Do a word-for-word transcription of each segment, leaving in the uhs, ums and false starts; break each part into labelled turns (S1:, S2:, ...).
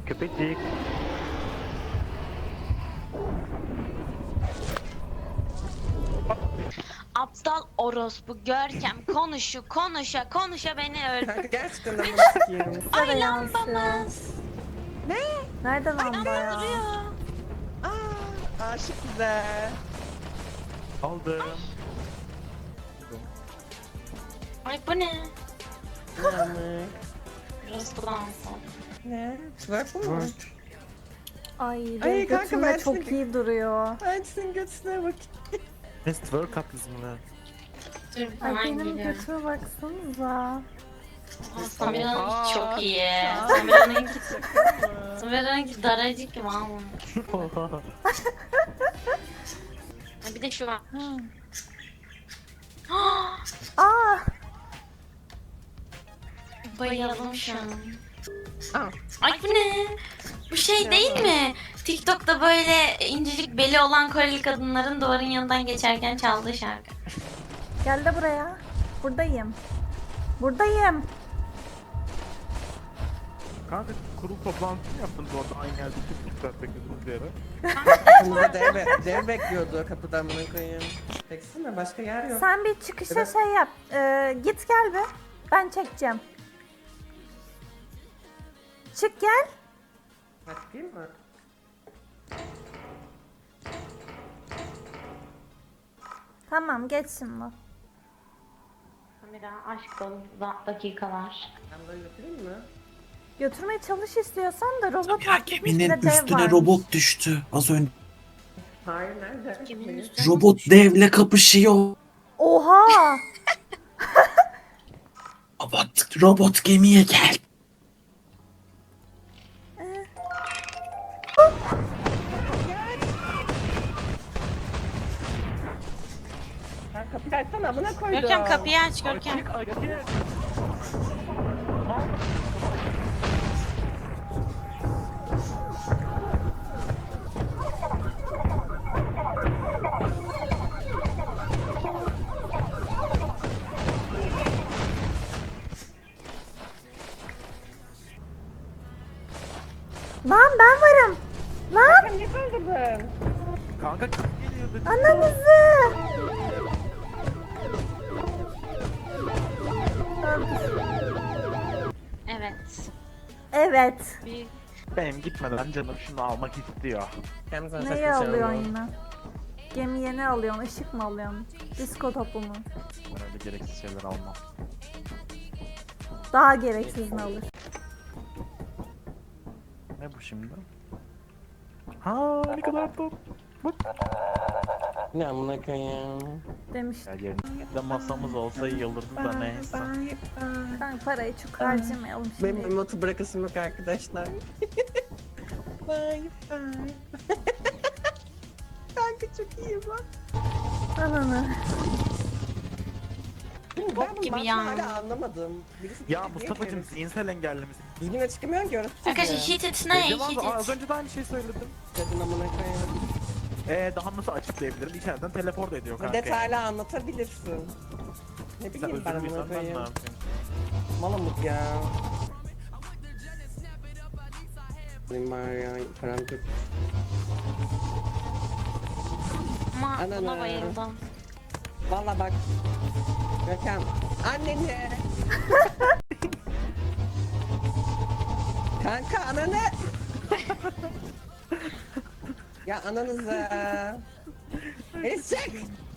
S1: Köpecik.
S2: Aptal orospu Görkem konuşu konuşa konuşa beni
S3: Kanka
S2: öldürdü.
S3: gerçekten de bakayım.
S2: Ay lambamız.
S4: Nerede lamba
S2: Lamba
S4: ya?
S2: duruyor.
S3: Aa, aşık bize.
S1: Aldım.
S2: Ay bu ne?
S3: Yani.
S2: Orospu dansı.
S3: Ne? Twerk bu mu?
S4: Ay
S3: Ay,
S4: benim
S3: kanka,
S4: götümde
S3: ben
S4: çok
S3: seni-
S4: iyi duruyor.
S3: Hadi senin götüne bak.
S1: Ne twerk kaplısı mı lan?
S2: Dur
S4: Ay
S2: falan
S4: benim
S2: geliyor.
S4: götüme baksanıza.
S2: Samira'nınki çok
S3: Aa,
S2: iyi.
S3: aa.
S2: Samira'nınki Samira'nınki daracık valla. Bir de şu var.
S4: Ha. Aa,
S2: Bayıldım şu an.
S3: Aa.
S2: Ay bu ne? Bu şey değil mi? TikTok'ta böyle incecik beli olan Koreli kadınların duvarın yanından geçerken çaldığı şarkı.
S4: gel de buraya. Buradayım. Buradayım.
S1: Kanka kurul toplantısını yaptınız orada aynı yerde iki buçuk saat beklediniz bir ara.
S3: Kapımızda dev, be- dev bekliyordu kapıdan bunu koyayım. Baksana başka yer yok.
S4: Sen bir çıkışa
S3: Evet.
S4: şey yap. Ee, git gel be. Ben çekeceğim. Çık gel.
S3: Bakayım mı?
S4: Tamam geç şimdi.
S2: Samira aşk dolu da- dakikalar.
S3: Ben böyle yapayım mı?
S4: Götürmeye çalış istiyorsan da robot
S5: Ya
S4: atmış
S5: geminin
S4: ve dev
S5: üstüne
S4: varmış.
S5: robot düştü az önce.
S3: Hayır nerede?
S2: Kimin
S3: Hayır.
S2: üstüne?
S5: Robot devle kapışıyor.
S4: Oha!
S5: Robot, robot gemiye gel.
S3: Sen kapıyı açsana amına koydum.
S2: Görkem kapıyı aç Görkem.
S1: Açık açık.
S4: Lan ben varım. Lan
S3: Sen niye öldürdün?
S1: Kanka kız geliyor dedi.
S4: ananızı.
S2: Evet.
S4: Evet.
S2: Bir
S1: Benim gitmeden canım şunu almak istiyor.
S3: Hem sen
S4: Neyi
S3: saklayacağım
S4: alıyorsun
S3: onu.
S4: yine? Gemiye ne alıyorsun? Işık mı alıyorsun? Disko topu mu?
S1: Ben öyle gereksiz şeyler almam.
S4: Daha gereksiz mi alır?
S1: Ne bu şimdi? Ha ne kadar tatlı.
S3: Ne amına koyayım?
S4: Demiş.
S1: Ya yerinde masamız olsa iyi olurdu da neyse.
S4: Ben parayı çok harcamayalım
S3: Benim
S4: şimdi.
S3: emotu bırakasım yok arkadaşlar. Bye bye. Kanka çok iyi bak.
S4: Ananı.
S3: Ben
S2: Bok
S3: bunu
S2: gibi
S3: başta
S2: ya.
S3: hala anlamadım. Birisi
S1: Ya
S3: niye
S1: Mustafa'cım
S3: böyle-
S1: zihinsel engelli misin?
S3: Düzgün çıkamıyorum ki orası.
S2: Arkadaşlar hit it ne?
S1: Dedim
S2: Hit
S1: abi, az
S2: it.
S1: önce de aynı şeyi söyledim.
S3: Dedin amına koyayım.
S1: Ee daha nasıl açıklayabilirim? İçeriden teleport ediyor kanka.
S3: Detaylı anlatabilirsin. Ne
S1: Sen
S3: bileyim ben
S1: özür
S3: amına
S1: müysen ben ne
S3: koyayım.
S1: yapayım?
S3: Malamut ya. Benim var ya karanlık.
S2: Ama
S3: Ananı.
S2: buna bayıldım.
S3: Valla bak. Görkem. Anneni. Kanka ananı. Ya ananızı. Eşek.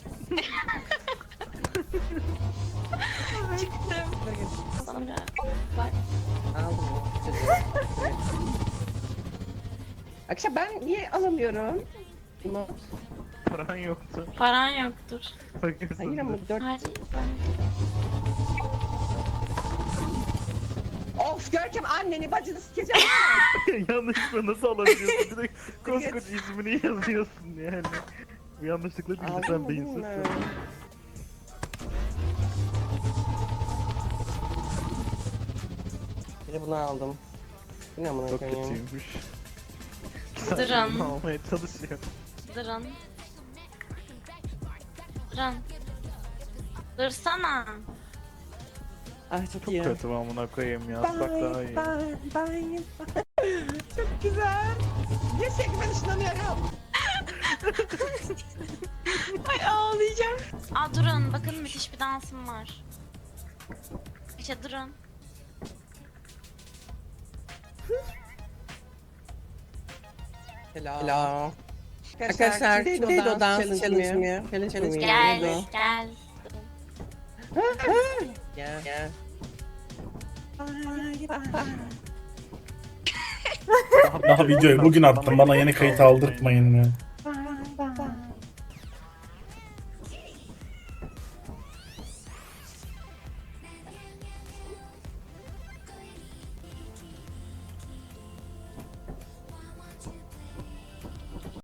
S2: Çıktım. Samira bak.
S3: Aldım o çocuğu. Akşam ben niye alamıyorum? Bunu.
S1: Paran yoktu.
S2: Paran yoktur.
S1: Bakıyorsun.
S3: Hayır ama dört.
S2: Hayır.
S3: Of Görkem anneni bacını sikeceğim.
S1: Yanlışlıkla nasıl alabiliyorsun? Direkt koskoca ismini yazıyorsun yani. Bu yanlışlıkla değil
S3: Aldın
S1: sen
S3: mı
S1: beyinsizsin.
S3: bunu? Bir de bunu aldım. Bu ne amına
S1: Çok
S3: koyayım?
S1: kötüymüş.
S2: Duran.
S1: Bunu almaya çalışıyor.
S2: Durun. Durun. Dursana.
S3: Ay çok,
S1: Çok
S3: iyi.
S1: kötü amına koyayım ya. Bak daha iyi.
S3: Bye bye. Çok güzel. Gerçekten ben ışınlanıyorum.
S2: Ay ağlayacağım. Aa durun bakın müthiş bir dansım var. İşte durun.
S3: Hello. Hello. Arkadaşlar neydi o dans challenge mi? Challenge mi?
S2: Gel
S3: Neydi o?
S2: gel.
S3: Gel. Gel.
S5: Daha videoyu bugün attım. Bana yeni kayıt aldırtmayın ya.